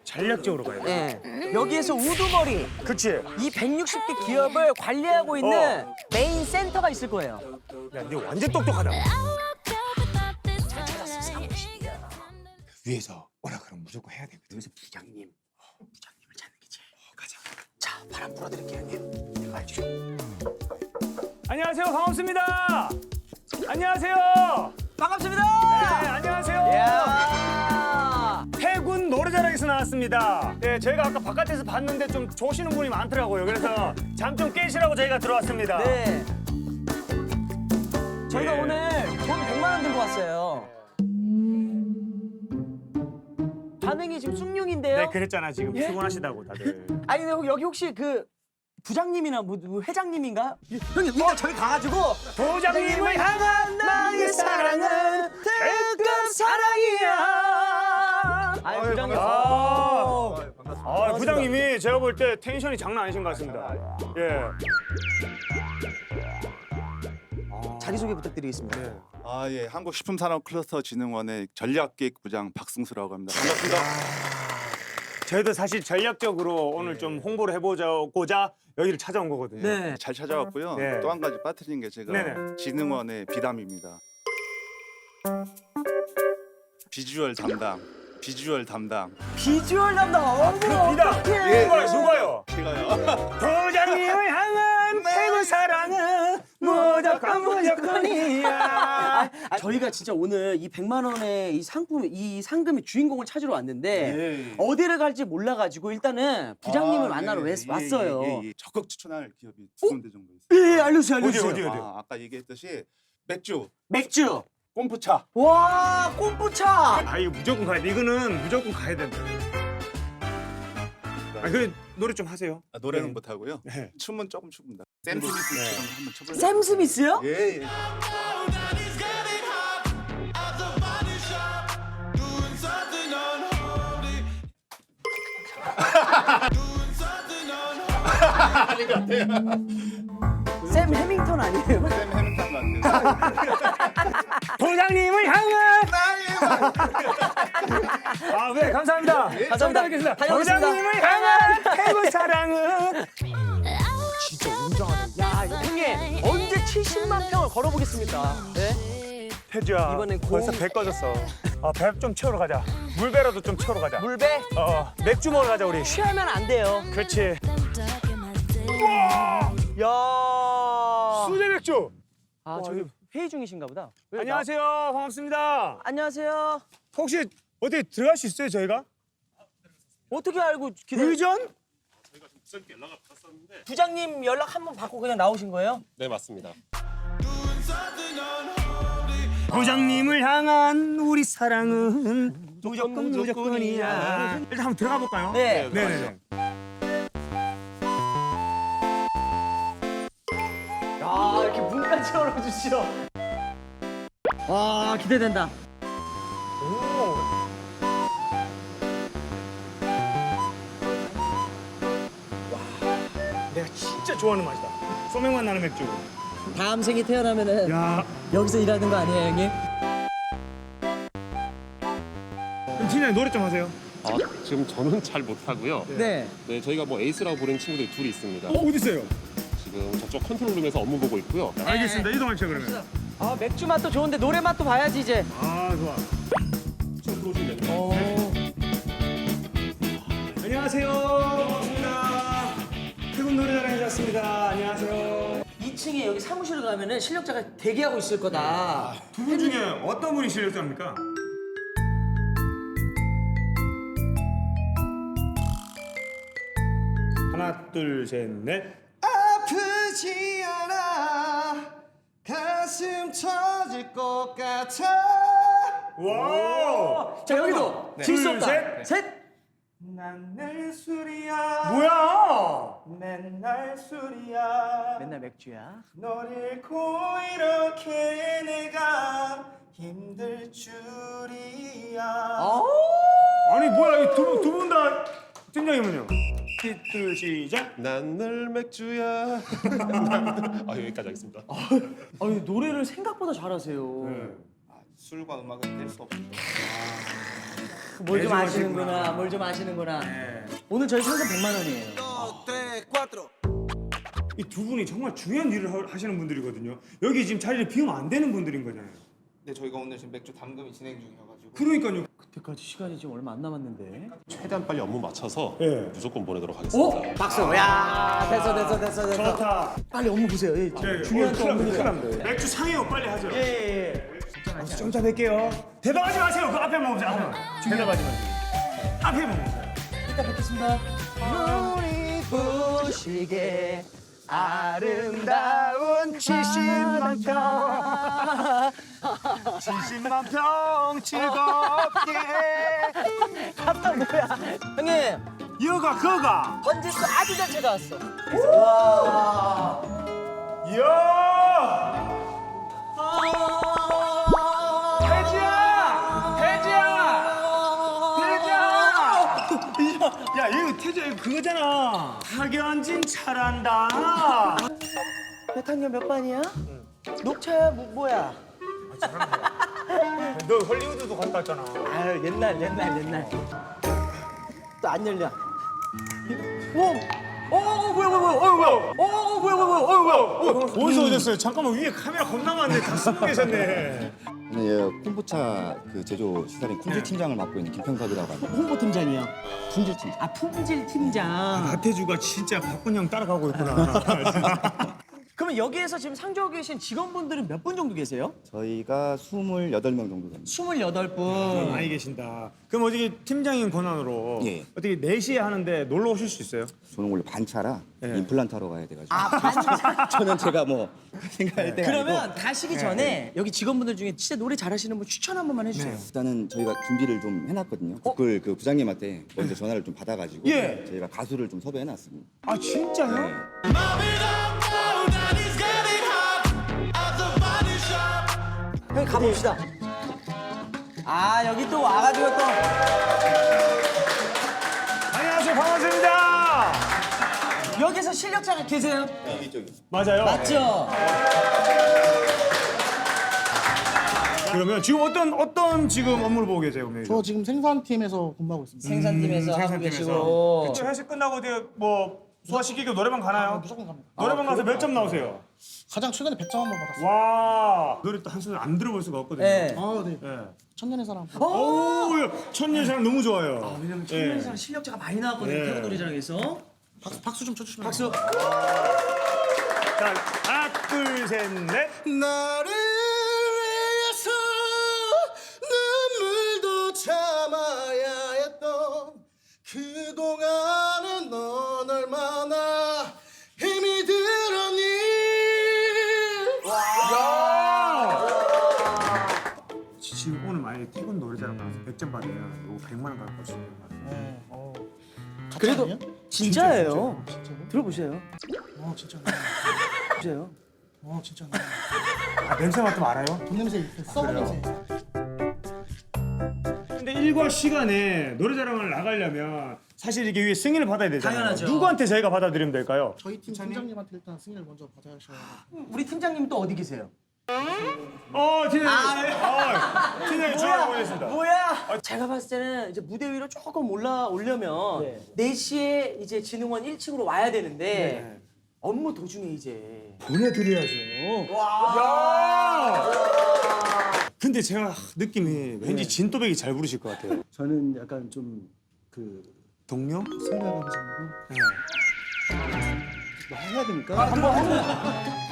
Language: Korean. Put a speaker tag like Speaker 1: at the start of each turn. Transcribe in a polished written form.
Speaker 1: 전략적으로 가야 돼.
Speaker 2: 예. 여기에서 우두머리
Speaker 1: 그치?
Speaker 2: 이 160개 기업을 관리하고 있는 메인 센터가 있을 거예요.
Speaker 1: 야, 너 완전 똑똑하다.
Speaker 3: 위에서 오라 그러면 무조건 해야 되거든.
Speaker 2: 그래서 부장님을 찾는 게 제일. 가자. 자, 바람 불어드릴게요, 형님.
Speaker 3: 알죠?
Speaker 1: 안녕하세요, 반갑습니다. 안녕하세요.
Speaker 2: 반갑습니다.
Speaker 1: 네, 안녕하세요.
Speaker 2: 야.
Speaker 1: 해군 노래자랑에서 나왔습니다. 네, 저희가 아까 바깥에서 봤는데 좀 조시는 분이 많더라고요. 그래서 잠 좀 깨시라고 저희가 들어왔습니다.
Speaker 2: 네. 저희가
Speaker 1: 예.
Speaker 2: 오늘 돈 100만 원 들고 왔어요. 반응이 지금 숭늉인데요.
Speaker 1: 네, 그랬잖아. 지금
Speaker 2: 예?
Speaker 1: 피곤하시다고 다들.
Speaker 2: 아니 근데 여기 혹시 그 부장님이나 뭐 회장님인가? 형님 일단 저기 가가지고
Speaker 1: 부장님을 향한 나의 사랑은
Speaker 2: 특급 사랑이야. 아유 부장님.
Speaker 1: 부장님이 제가 볼 때 텐션이 장난 아니신 것 같습니다. 예.
Speaker 2: 자기소개 부탁드리겠습니다.
Speaker 4: 예, 한국식품산업클러스터진흥원의 전략기획부장 박승수라고 합니다. 반갑습니다.
Speaker 1: 저희도 사실 전략적으로 오늘 좀 홍보를 해보자고자 여기를 찾아온 거거든요.
Speaker 2: 네.
Speaker 4: 잘 찾아왔고요.
Speaker 1: 네.
Speaker 4: 또 한 가지 빠뜨린 게 제가
Speaker 1: 네네.
Speaker 4: 진흥원의 비담입니다. 비주얼 담당.
Speaker 2: 비주얼 담당. 어머
Speaker 1: 비담.
Speaker 2: 어떡해.
Speaker 1: 누가요?
Speaker 4: 제가요.
Speaker 1: 부장님을 향한 태국 사랑은 무조건이야.
Speaker 2: 저희가 진짜 오늘 이 100만 원의 이 상품, 이 상금의 주인공을 찾으러 왔는데 어디를 갈지 몰라가지고 일단은 부장님을 만나러 왔어요.
Speaker 4: 적극 추천할 기업이 두 군데 정도 있어요.
Speaker 2: 예, 알려주세요.
Speaker 1: 어디?
Speaker 4: 아까 얘기했듯이 맥주,
Speaker 2: 맥주.
Speaker 4: 꼼프차.
Speaker 2: 와, 꼼부차.
Speaker 1: 아, 이거 무조건 가야 돼. 이거는 무조건 가야 된다. 그래 노래 좀 하세요.
Speaker 4: 노래는
Speaker 1: 네.
Speaker 4: 못하고요.
Speaker 1: 네.
Speaker 4: 춤은 조금 춥니다. 샘 스미스처럼 한번 춰볼까요?
Speaker 2: 샘 스미스요?
Speaker 4: 예.
Speaker 2: 샘 해밍턴 아니에요?
Speaker 4: 샘 해밍턴 같아요.
Speaker 1: 부장님을 향한 네, 감사합니다.
Speaker 2: 감사합니다.
Speaker 1: 뵙겠습니다.
Speaker 2: 다녀오겠습니다.
Speaker 1: 부장님을 향한 태국 사랑은
Speaker 2: 진짜 웅장하네. 야, 형님 언제 70만 평을 걸어보겠습니까? 네?
Speaker 1: 태주야.
Speaker 2: 이번엔
Speaker 1: 벌써 배 꺼졌어. 배 좀 채우러 가자. 물배라도 좀 채우러 가자.
Speaker 2: 물배?
Speaker 1: 맥주 먹으러 가자 우리.
Speaker 2: 취하면 안 돼요.
Speaker 1: 그렇지.
Speaker 2: 야.
Speaker 1: 수제 맥주.
Speaker 2: 저기 회의 중이신가 보다. 왜
Speaker 1: 안녕하세요. 반갑습니다.
Speaker 2: 안녕하세요.
Speaker 1: 혹시 어디 들어갈 수 있어요 저희가?
Speaker 2: 어떻게 알고 기다려?
Speaker 1: 의전?
Speaker 5: 부장님께 연락을 받았었는데
Speaker 2: 부장님 연락 한 번 받고 그냥 나오신 거예요?
Speaker 5: 네 맞습니다.
Speaker 1: 부장님을 향한 우리 사랑은 무조건이야. 일단 한번 들어가 볼까요?
Speaker 2: 네.
Speaker 1: 네네.
Speaker 2: 야, 이렇게 문까지 열어주시죠. 와, 기대된다.
Speaker 1: 내가 진짜 좋아하는 맛이다. 소맥맛 나는 맥주.
Speaker 2: 다음 생이 태어나면은
Speaker 1: 야,
Speaker 2: 여기서 일하는 거 아니에요, 형님?
Speaker 1: 그럼 팀장님 노래 좀 하세요.
Speaker 5: 지금 저는 잘 못하고요.
Speaker 2: 네.
Speaker 5: 네 저희가 뭐 에이스라고 부르는 친구들이 둘이 있습니다.
Speaker 1: 어디 있어요?
Speaker 5: 지금 저쪽 컨트롤룸에서 업무 보고 있고요.
Speaker 1: 알겠습니다. 이동합시다 그러면.
Speaker 2: 맥주 맛도 좋은데 노래 맛도 봐야지 이제.
Speaker 1: 좋아. 안녕하세요. 반갑습니다. 태국 노래자랑에 왔습니다. 안녕하세요.
Speaker 2: 2층에 여기 사무실에 가면은 실력자가 대기하고 있을 거다.
Speaker 1: 두 분 중에 어떤 분이 실력자입니까? 하나, 둘, 셋, 넷.
Speaker 3: 아프지 않아 가슴 터질 것 같아.
Speaker 1: 와!
Speaker 2: 자, 여기도
Speaker 1: 네.
Speaker 2: 질수
Speaker 1: 둘,
Speaker 2: 없다.
Speaker 1: 셋.
Speaker 2: 셋.
Speaker 3: 난늘 술이야.
Speaker 1: 뭐야?
Speaker 3: 맨날 술이야.
Speaker 2: 맨날 맥주야.
Speaker 3: 널 잃고 이렇게 내가 힘들 줄이야.
Speaker 1: 아니 뭐야? 두 분 다 팀장님은요? 둘, 시작.
Speaker 5: 난 늘 맥주야. 여기까지 하겠습니다.
Speaker 2: 아니 노래를 생각보다 잘하세요.
Speaker 3: 술과 음악은 뗄 수 없죠.
Speaker 2: 뭘 좀
Speaker 1: 매주
Speaker 2: 아시는구나.
Speaker 1: 하시구나.
Speaker 2: 뭘 좀 아시는구나.
Speaker 1: 네.
Speaker 2: 오늘 저희 상금 100만 원이에요.
Speaker 1: 이 두 분이 정말 중요한 일을 하시는 분들이거든요. 여기 지금 자리를 비우면 안 되는 분들인 거잖아요.
Speaker 3: 네, 저희가 오늘 지금 맥주 담금이 진행 중이어가지고.
Speaker 1: 그러니까요.
Speaker 2: 그때까지 시간이 지금 얼마 안 남았는데.
Speaker 5: 최대한 빨리 업무 맞춰서
Speaker 1: 예.
Speaker 5: 무조건 보내도록 하겠습니다.
Speaker 2: 박수. 야, 됐어.
Speaker 1: 좋다.
Speaker 2: 빨리 업무 보세요. 예, 중요한 또 업무니까.
Speaker 1: 맥주 상해요. 빨리 하죠.
Speaker 2: 예.
Speaker 1: 좀 이따 뵐게요. 대답하지 마세요. 그 앞에 먹으세요. 앞에. 대답하지 마세요. 앞에 먹으세요.
Speaker 2: 이따 뵙겠습니다. 눈이 부시게 아름다운 70만 평
Speaker 1: 70만 평 즐겁게.
Speaker 2: 갔다 뭐야? 형님,
Speaker 1: 여가 그가.
Speaker 2: 번지수 아주 잘 찾아왔어. 와.
Speaker 1: 이야. 태지야. 야 이거 태지야 이거 그거잖아. 박연진 잘한다.
Speaker 2: 배탕년 몇 반이야? 녹차야 뭐야?
Speaker 1: 너 헐리우드도 갔다 왔잖아.
Speaker 2: 아유 옛날. 또 안 열려. 뭐야?
Speaker 1: 어디서 오셨어요? 잠깐만 위에 카메라 겁나 많네. 다 쓰고 계셨네.
Speaker 6: 저는 예, 콤부차 그 제조 시설인 품질 팀장을 맡고 있는 김평섭이라고 합니다.
Speaker 2: 홍보팀장이요.
Speaker 6: 품질 팀장.
Speaker 2: 아 품질 팀장.
Speaker 1: 나태주가 진짜 박군 형 따라가고 있구나.
Speaker 2: 그러면 여기에서 지금 상주하고 계신 직원분들은 몇 분 정도 계세요?
Speaker 6: 저희가 28명 정도 됩니다.
Speaker 2: 28분.
Speaker 1: 많이 계신다. 그럼 어떻게 팀장인 권한으로
Speaker 6: 예.
Speaker 1: 어떻게 4시에 하는데 놀러 오실 수 있어요?
Speaker 6: 저는 원래 반차라
Speaker 1: 예.
Speaker 6: 임플란트 하러 가야 돼가지고.
Speaker 2: 아 반장.
Speaker 6: 저는 제가 뭐 생각할 때가 아니고.
Speaker 2: 그러면 가시기 전에 여기 직원분들 중에 진짜 노래 잘하시는 분 추천 한 번만 해주세요.
Speaker 6: 일단은 저희가 준비를 좀 해놨거든요. 그걸 그 부장님한테 먼저 전화를 좀 받아가지고
Speaker 2: 예.
Speaker 6: 저희가 가수를 좀 섭외해놨습니다.
Speaker 1: 아 진짜요?
Speaker 6: 네.
Speaker 2: 형님 가봅시다. 아 여기 또 와가지고 또
Speaker 1: 안녕하세요. 반갑습니다.
Speaker 2: 여기서 실력자가 계세요?
Speaker 1: 맞아요.
Speaker 2: 맞죠?
Speaker 1: 그러면 지금 어떤 지금 업무를 보고 계세요? 그러면?
Speaker 7: 저 지금 생산팀에서 근무하고 있습니다.
Speaker 2: 생산팀에서 하고 계시고.
Speaker 1: 회식 끝나고 어디 뭐 소화시키고 노래방 가나요?
Speaker 7: 무조건 갑니다.
Speaker 1: 노래방 가서 몇 점 나오세요?
Speaker 7: 가장 최근에 100점 한 번 받았어요.
Speaker 1: 와 노래 또 한 소절 안 들어볼 수가 없거든요.
Speaker 2: 네.
Speaker 7: 아, 네.
Speaker 1: 예.
Speaker 7: 천년의 사랑.
Speaker 1: 오, 천년사랑 너무 좋아요.
Speaker 2: 왜냐면
Speaker 1: 예.
Speaker 2: 청년사랑 실력자가 많이 나왔거든요.
Speaker 1: 네.
Speaker 2: 태국 노래자랑에서.
Speaker 7: 박수 좀 쳐주시면.
Speaker 2: 박수.
Speaker 1: 자, 하나, 둘, 셋, 넷.
Speaker 3: 나를 위해서 눈물도 참아야 했던 그동안은 넌 얼마나 힘이 들었니.
Speaker 1: 지금 오늘 만약에 태국 노래자랑 가서 100점 받으면 이거 100만 원 갖고 오시는 거예요.
Speaker 2: 그래도
Speaker 7: 아니에요?
Speaker 2: 진짜예요.
Speaker 7: 진짜요?
Speaker 2: 들어보세요.
Speaker 7: 진짜.
Speaker 2: 보세요.
Speaker 7: 진짜.
Speaker 1: 아, 냄새 맡으면 알아요?
Speaker 7: 돈 냄새, 썩은 냄새.
Speaker 1: 근데 일과 시간에 노래자랑을 나가려면 사실 이게 위에 승인을 받아야 되잖아요.
Speaker 2: 당연하죠.
Speaker 1: 누구한테 저희가 받아들이면 될까요?
Speaker 7: 저희 팀 팀장님한테 일단 승인을 먼저 받아야셔야.
Speaker 2: 우리 팀장님 또 어디 계세요?
Speaker 1: 팀장님 전화 보냈습니다.
Speaker 2: 뭐야? 제가 봤을 때는 이제 무대 위로 조금 올라오려면 4시에 이제 진흥원 1층으로 와야 되는데 업무 도중에 이제
Speaker 1: 보내드려야죠. 근데 제가 느낌이 왠지 진또배기 잘 부르실 것 같아요.
Speaker 2: 저는 약간 좀 그
Speaker 1: 동료?
Speaker 7: 생각하면서.
Speaker 2: 해야 됩니까?
Speaker 1: 한번